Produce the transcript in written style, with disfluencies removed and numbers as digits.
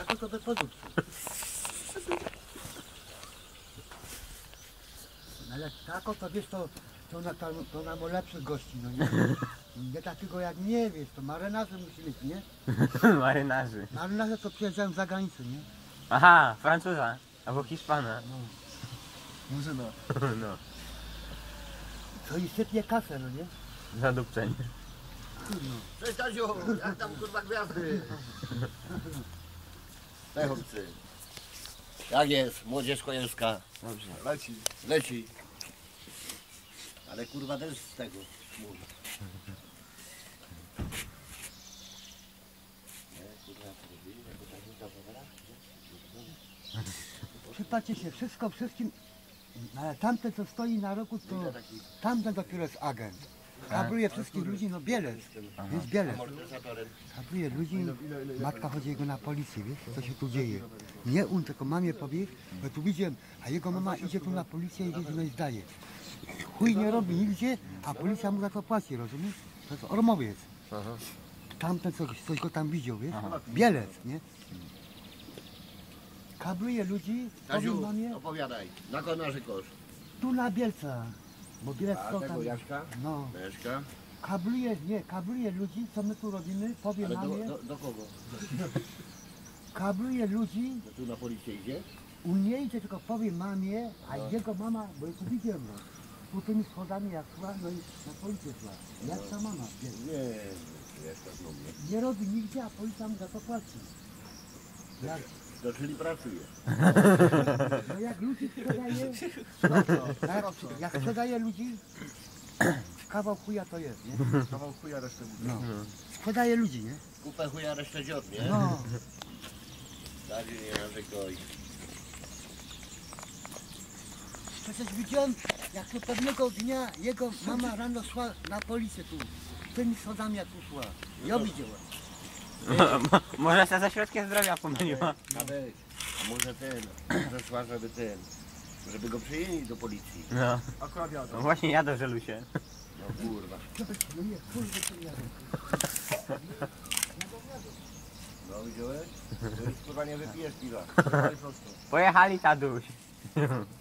taką to bez podróży. No ale taką to wiesz, to nam lepszych gości, no nie? Nie takiego jak nie wiesz, to marynarze musi mieć, nie? Marynarzy. Marynarze to przyjeżdżają z zagranicy, nie? Aha, Francuza. Albo Hiszpana. No. Murzyna. No. To i sypie kasę, no nie? Zadupczenie. Kurno. Cześć Taziu, jak tam kurwa gwiazdy? Cześć chłopcy. Jak jest? Młodzież kojelska. Dobrze. Leci. Leci. Ale kurwa też z tego mówi. Przypatrzcie się, wszystko wszystkim, ale tamten co stoi na roku, to tamten dopiero jest agent. Kabruje wszystkich ludzi, no Bielec, jest Bielec. Kabruje ludzi, matka chodzi jego na policję, wiesz, co się tu dzieje. Nie on, tylko mamie powie, bo tu widziałem, a jego mama idzie tu na policję i no i zdaje. Chuj nie robi nigdzie, a policja mu za to płaci, rozumiesz? To jest Ormowiec. Tamten coś go tam widział, wiesz? Bielec, nie? Kabruje ludzi, powiem Taziu, mamie, opowiadaj. Na kogo narzekasz? tu na Bielca. Bo Bielec to tam, Jaśka? no. Jaśka? Kabruje ludzi, co my tu robimy, powiem Ale mamie, do kogo? kabruje ludzi, To tu na policję idzie? u nie idzie, tylko powiem mamie, a jego mama, bo ja tu widziałem, no, tu tymi schodami jak szła, no i na policję szła. Jak ta mama, wiesz, Nie, Jaśka znowu. nie robi nigdzie, a policja mu za to płaci. Jak, To czyli pracuje. no jak ludzi sprzedaje, jak sprzedaje ludzi, kawał chuja to jest, nie? Kawał chuja resztę mówi. No. Sprzedaje ludzi, nie? Kupę chuja resztę dziot, nie? No. Taziu, nie narzekaj. Przecież widziałem, jak to pewnego dnia jego mama rano szła na policję tu. Tymi schodami jak tu szła. Ja widziałem. Może się ze środkiem zdrowia pomyliła. Nawet, a może zeszła, żeby go przyjęli do policji. No. Akurat jadę. No właśnie jadę, żelu się. No kurwa. No nie, kurde, to ja. No widziałeś? To już kurwa nie wypijesz piwa. Pojechali taduś.